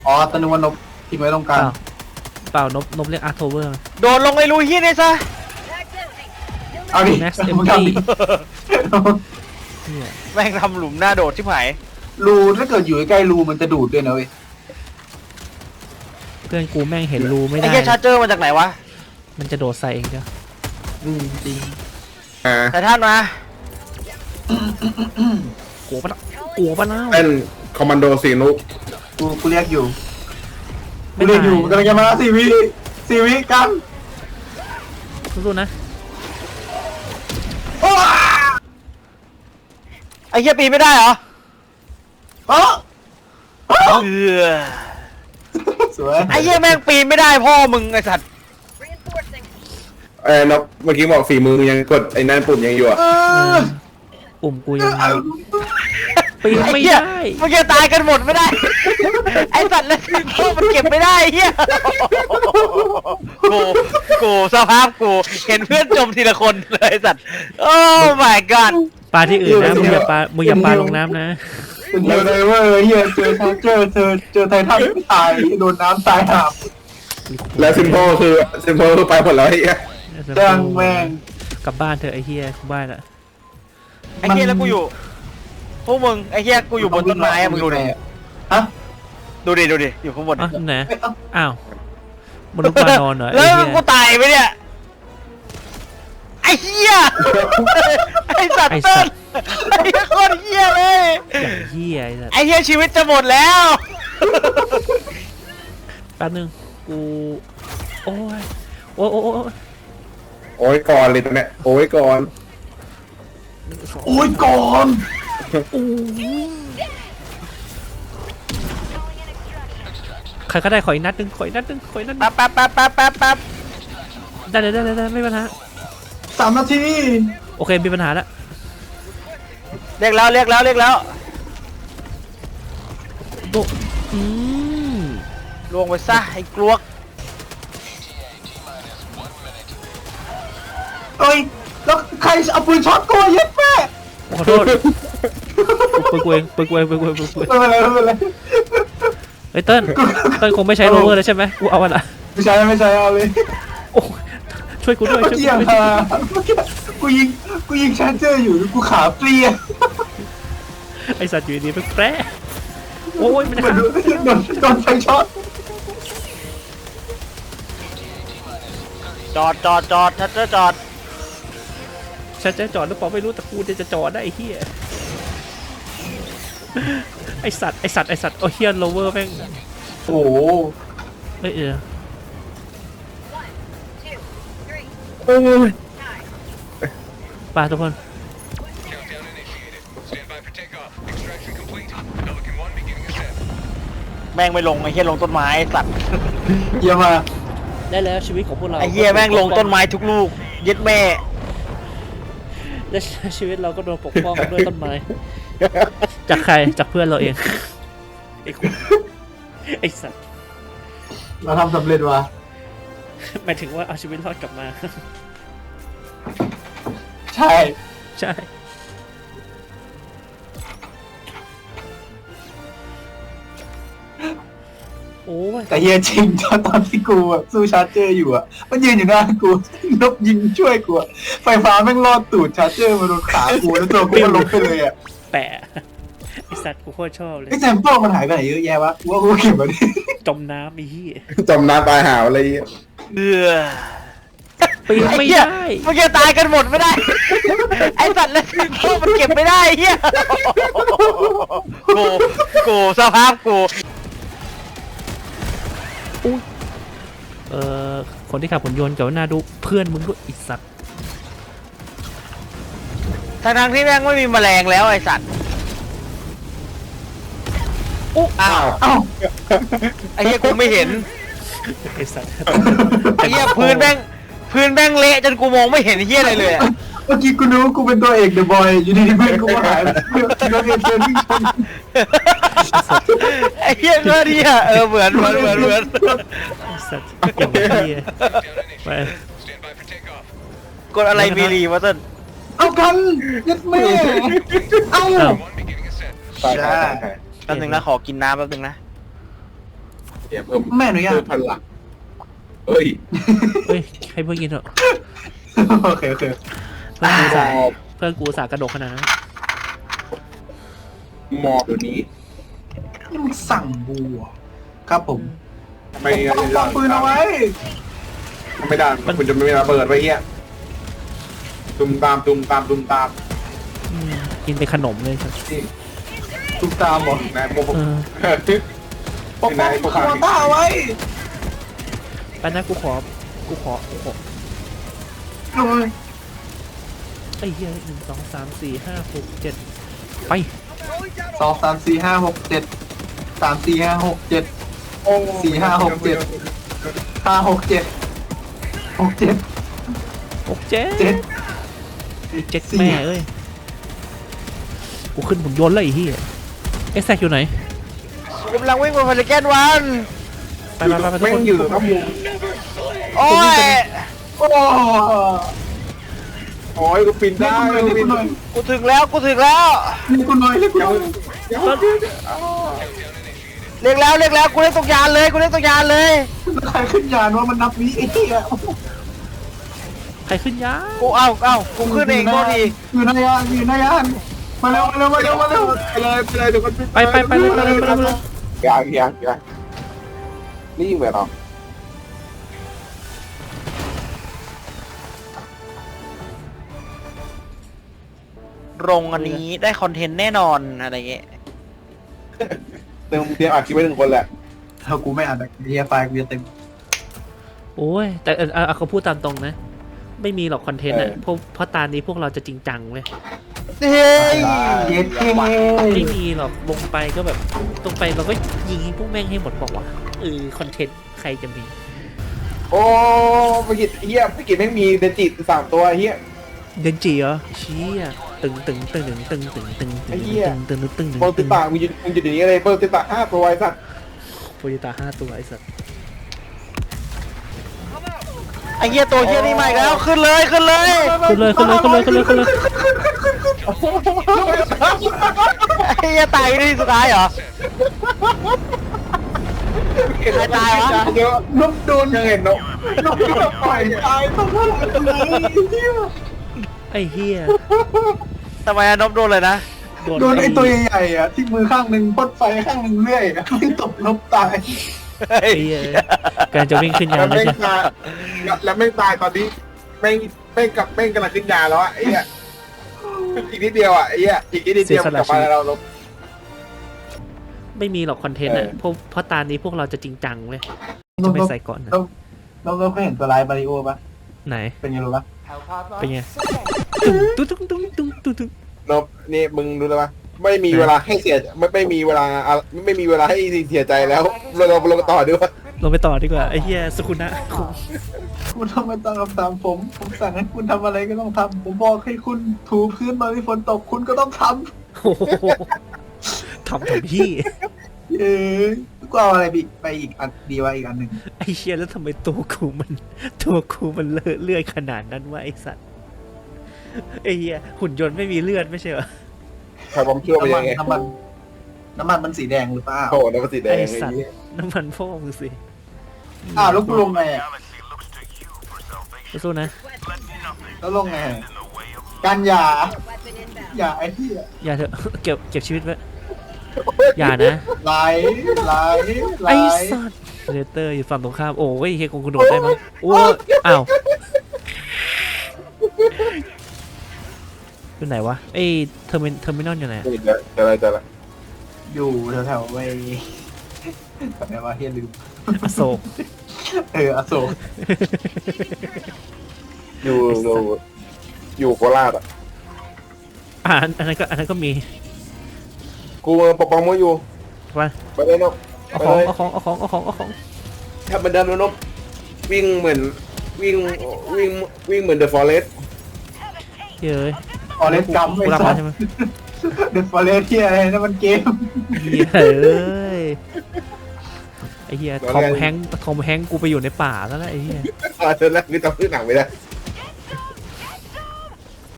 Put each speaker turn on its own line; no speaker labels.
อ๋อตะนุวันนบทิ้งไว้ตรงก
เป
ลาง
ล่าเปล่านบเรียกอาร์โทเวอร์
โดดลงไอ้รูเฮียนี่ซะ
เอาดิ
Max
มึงทำดิ
เนี่ย
แม่งทำหลุมหน้าโดดที่ไหน
รูถ้าเกิดอยู่ใกล้รูมันจะดูดด้วยนะเว้ย
เพื่อนกูแม่งเห็นรูไม่
ไอ้
ได้
เฮียชาร์เจอร์มาจากไหนวะ
มันจะโดดใส่เองจ้ะ
จริง
แต่ท่านมา
กลัวปะกลัวปะนะ
เป็นคอมมานโดสีนุ
กูเรียกอยู่กู
ไม่
เรีย
ตาก
อยู่กำลังจะมา4 วิกัน
สู้ๆนะ
โอ้
ไอ้เฮียปีนไม่ได้เหรอ
อ๋อ
เออ
สวย
ไอ้เฮียแม่งปีนไม่ได้พ่อมึงไอ้สัตว์
นกเมื่อกี้บอกฝีมือมึงยังกดไอ้นั่นปุ่มยังอยู่อ่ะ
ปุ่มกูยังปีน
ไอ้
ไม่
เฮีย
ได้
มึงจะตายกันหมดไม่ได้ ไอ้สัตว์แล้วพ่อมันเก็บไม่ได้เฮียกูสภาพกูเห็นเพื่อนจมทีละคนเลยไอ้สัตว์โอ้ my god
ปลาที่อื่นนะมึงอย่าปลาลงน้ำนะ
เป็นเยอะเลยเว้ยเฮียเจอชาร์เจอร์เจอไททันไม่ตายโดนน้ำตายหาบ
แล้วซิมโพคือไปหมดแล้วไอ้เหี้ย
จ้างแม่ง
กลับบ้านเถอะไอ้เฮียกูบ้านละ
ไอ้เฮียแล้วกูอยู่พวกมึงไอ้เฮียกูอยู่บนต้นไม้อะมึงดูดิ
ฮะ
ดูดิอยู่ข้างบน
อ่ะไหน
เอ้ยเอ้า
อ้าวมนุษย์ปลานอนเหรอ
แล้
ไอ้
ว
เฮีย
กูตายไปเนี่ยไอ้เฮียไอ้สัตว์เต้นไอ้เหี้ยโคตรเฮียเลย
อย่างเฮียไอ้สัส
ไอ้เฮียชีวิตจะหมดแล้ว
แป๊บนึงกูโอ้ยโอ้ยโอ้ยโอ้ย
โอ้ยก่อนเลยตรงเนี้ยโอ้ยก่อน
โอ้ยก่อน
ใครก็ได้ขออีกนัดนึงขออีกนัดนึง
แป๊บ
ได้เลยไม่มีปัญหา
3 นาที
โอเคมีปัญหาแล้ว
เรียกแล้ว
โดอืม
ลวงไปซะไอ้กลวก
เอ้ยแล้วใครเอาปืนช็อตกูเย็ดแม่
ขอโทษปืนกูเอง
ไม่เป็นไรไม่เป็นไร
เฮ้ยเติ้ลคงไม่ใช้โรเวอร์เลยใช่ไหมกูเอาอะละ
ไม่ใช่เอาเลย
โอ้ช่วยกูด้วย
เมื่อ
ช่วย
กี้
กูด้วย
กูยิงชาร์เจอร์อยู่กูขาเปลี่ยน
ไอสัตว์อยู่ดีๆแปรโอ้ยมันจะ
เหมือน
ฆ่า
โดนไฟช็อต
จอดชัดเจอจอด
ฉันจะจอดหรือเปล่าไม่รู้แต่กูจะจอดได้ไอ้เหี้ยไอสัตว์โอเฮียโรเวอร์แม่ง
โอ้โห
เอ้ย
โอ้ย
ไปทุกคน
แม่งไม่ลงไอ้เฮียลงต้นไม้ไอ้สัตว์
เยี่ยมมาก
ได้แล้วชีวิตของพวกเรา
ไอ้เฮียแม่งลงต้นไม้ทุกลูกยึดแม่
และชีวิตเราก็โดนปกป้องด้วยต้นไม้ จากใครจากเพื่อนเราเองไอ้คนไอ้สัตว์
เราทำสำเร็จว่ะ
หมายถึงว่าเอาชีวิตรอดกลับมา
ใช่
ใช่โอ้ย
แต่เฮียจริงตอนที่กูอะสู้ชาร์เจอร์อยู่อ่ะมันยืนอยู่หน้ากูนบยิงช่วยกูอะไฟฟ้าแม่งลอดตูดชาร์เจอร์มาโดนขากูแล้วตัวกูก็ล้มไปเลยอ่ะ
แปะไอสัตว์กูโคตรชอบเลย
ไอ้แซมเปิลมันหายไปไหนเยอะแยะวะกูว่ากูเก็บมาดิ
จมน้ำไอ้เหี้ย
จมน้ำตายหาวอะไรเงี้ย
ปีน
ไอ้
ไม่
เฮีย
ได้
มึงจะตายกันหมดไม่ได้ ไอ้สัตว์แล้วพ่อมันเก็บไม่ได้เฮียกูสภาพกู
เอ่อคนที่ขับหุ่นยนต์กับหน้าดูเพื่อนมึงด้วยไอีสัตว์
ทั้งที่แม่งไม่มีแมลงแล้วไอ้สัตว์อ้าว
เอ้า
ไอ้เหี้ยกูไม่เห็น
ไอสัตว์
ไอ้เหี้ยพื้นแม่งเละจนกูมองไม่เห็นเหี้ยอะไรเลยอะ
เมื่อกี้กูนึกว่ากูเป็นตัวเอกเดอะบอยอยู่ดีๆเพื่อนกูมาหายโดนเอเจนต์วิ่งชน
ไอ้เหี้ยก็เนี่ยเหมือน
ไอสัตว์อย่างเหี้ยไป
กดอะไรมีรีวะต้น
เอากันยัดแม่เอ้า
อ้าว
ตาย
แป๊บนึงนะขอกินน้ำแป๊บนึงนะ
เนี่ยเพิ่ม
ไม่อนุญาต
เพิ่มพลังเฮ้ย
เฮ้ยให้เพื่อนกินเถอะ
โอเคโอเค
เพื่อนกูสาเพื่อนกูสากระดกขนาดนั้น
มอบเดี๋ยวนี้
นี่มึงสั่งบูอ่ะครับผม
ทำไม
ต้องวางปืนเอาไว้
ไม่ได้มันจะไม่มีระเบิดไว้เฮียตุ้มตามตุ้มตามตุ้มตาม
อืมกินเป็นขนมเลยครับ
นี่
ตุกตามหมด
นายพวก
เออ
ปกป้องคาร์ต้าไว้
ไปนะกูขอ
โอ้ย
ไอ้เหี้ย1 2 3 4 5 6 7ไป
2 3 4 5 6 7 3 4 5 6 7
โอ้
4 5 6 7 5 6 7 6 7
6 เจ็ด
7
เจ็ดแม่เอ้ยกูขึ้นหุ่นยนต์เลยไอ้เหี้ยเอ็กแซกอยู่ไหน
กำลังวิ่งมาพาริแกนวัน
ไปทุก
แม่ง
คน
อยู่ครับมุม
โอ้ย
โอ้
โอ้ยกูปีน
เรีย
ได้
กกูหน่อย
กูถึงแล้วกูถึงแล้ว
เรียกกูหน่อยเรียกกูหน่อย
เรียกแล้วกูเล่นตกยานเลยกูเล่นตกยานเลย
ใครขึ้นยานว่ามันนับนี้ไอ้เหี้ย
ใครขึ้นยา
กูกูขึ้นเองโทษที
อยู่ในยานอยู่ในยานมาเร็วมาเร็วมาเร็วมาเร็ว
ไปเลยเดี๋ยวมัน
ไปเลย
ยังนี่ยิงไปหรอ
โรงอันนี้ได้คอนเทนต์แน่นอนอะไรเงี้ย
เตรียมอัดคลิปไว้1 คนแหละ
ถ้ากูไม่อ่านเฮียไฟล์กูจะเต็ม
โอ้ยแต่เขาพูดตามตรงนะ ไม่มีหรอกคอนเทนต์อ่ะเพราะตานี้พวกเราจะจริงจังเว้ย
เฮ้ย
เย็ดเท่
ไม่มีหรอกลงไปก็แบบตรงไปเราก็ยิงพวกแม่งให้หมดบอกว่าคอนเทนต์ใครจะมี
โอ้ไปกินเฮียไปกินแม่งมีเดจิต3 ตัวเฮีย
เดนจิเหรอเชี่ยตึง
โปรติตามึงจะอย่างนี้เลยโปรติตา5 ตัวไอ้สัส
โปรติตา5 ตัวไอ้สัส
ไอ้เหี้ยตัวเหี้ยนี่มาอีกแล้วขึ้นเลย
ขึ้นเลย
ไอ้เหี้ยตายที่สุดท้ายเหรอ ใครตายวะ
เดี๋ยวน
กโดน
ยังเห็นนก
นกที่เราปล่อยตายเพราะอะไรเฮีย
ไอ้เฮีย
ทำไมนบโดนเลยนะ
โดนไอ้ตัวใหญ่ๆอ่ะที่มือข้างหนึ่งพ่นไฟข้างหนึ่งเลื่อยอ่ะไม่ตกนกตาย
เฮ้ย
ไอ้เฮียการจะวิ่งขึ้นยา
แล้ว
นไม่
แม่ง
ใช่
ตายแล้วแม่งตายตอนนี้แม่งกำลังขึ้นยาแล้วอ่ะไอ้เหี้ยอีกนิดเดียวอ่ะไอ้เหี้ยอีกนิดเดียวกลับมาแล้วเรา
ไม่มีหรอกคอนเทนต์อ่ะเพราะตานี้พวกเราจะจริงจังเว้ยจะไม่ใส่ก่อนนะ
เราเคยเห็นตัวร้ายมาริโอปะ
ไหน
เป็นไงรู้ปะ
เป็นไงตุ้ง
นบนี่มึงรู้แล้วปะไม่มีเวลาให้เสียไม่มีเวลาให้เสียใจแล้วเราต่อด้วย
ลงไปต่อดีกว่าไอ้เฮียสุขุนะ
คุณทำไมต้องตามผมสั่งให้คุณทำอะไรก็ต้องทำผมบอกให้คุณถูพื้นตอนที่ฝนตกคุณก็ต้องท
โอ้โหทำพี่
ำกูเอาอะไรไปอีกอันดีวะอีกอันหนึ่ง
ไอ้เชี่ยแล้วทำไมตัวกูมันเลอะเลื่อยขนาดนั้นวะไอ้สัตว์ไอ้เหี้ยหุ่นยนต์ไม่มีเลือดไม่ใช่เหรอ
ใครผมเชื่อไปยังไง
น้ำมันมันสีแดงหรือเปล่า
โอ้น้ำมันสีแดง
ไอ้สัตว์น้ำมันพ่อมึงสิ
แล้วกูลงไงอ่ะ
สู้นะ
แล้วลงไงการอย่าไอ้ที่
อย่าเถอะเก็บชีวิตไว้อย่านะ
ไหล
ไอ้สัตว์เรเตอร์อยู่ฝั่งตรงข้ามโอ้ยเฮียคงกระโดดได้มั้งโอ้อ้าวอยู่ไหนวะไอ้เทอร์มินอลอยู่ไหน
จะอะไร
อยู่แถวๆไว้แบบไหนวะเฮียลืม
อโศก
อโศก
อยู่โคราชอ่ะ
อันนั้นก็มี
กูปกป้องมึงอยู่
ไป
เลยนก
เอาของ
ถ้ามันเดินนกวิ่งเหมือนวิ่งเหมือนเดอะฟอเรสต์
เย้ย
ฟอเรสกัม
กูรับมาใช่ไหม
เดอะฟอเรสที่อะไรนั่นมันเกม
เหี้ยเอ้ยไอ้เหี้ยทอมแฮงค์กูไปอยู่ในป่าแล้วนะไอ้เหี้ย
เจอแล้วคือจำชื่อหนังไม่ได้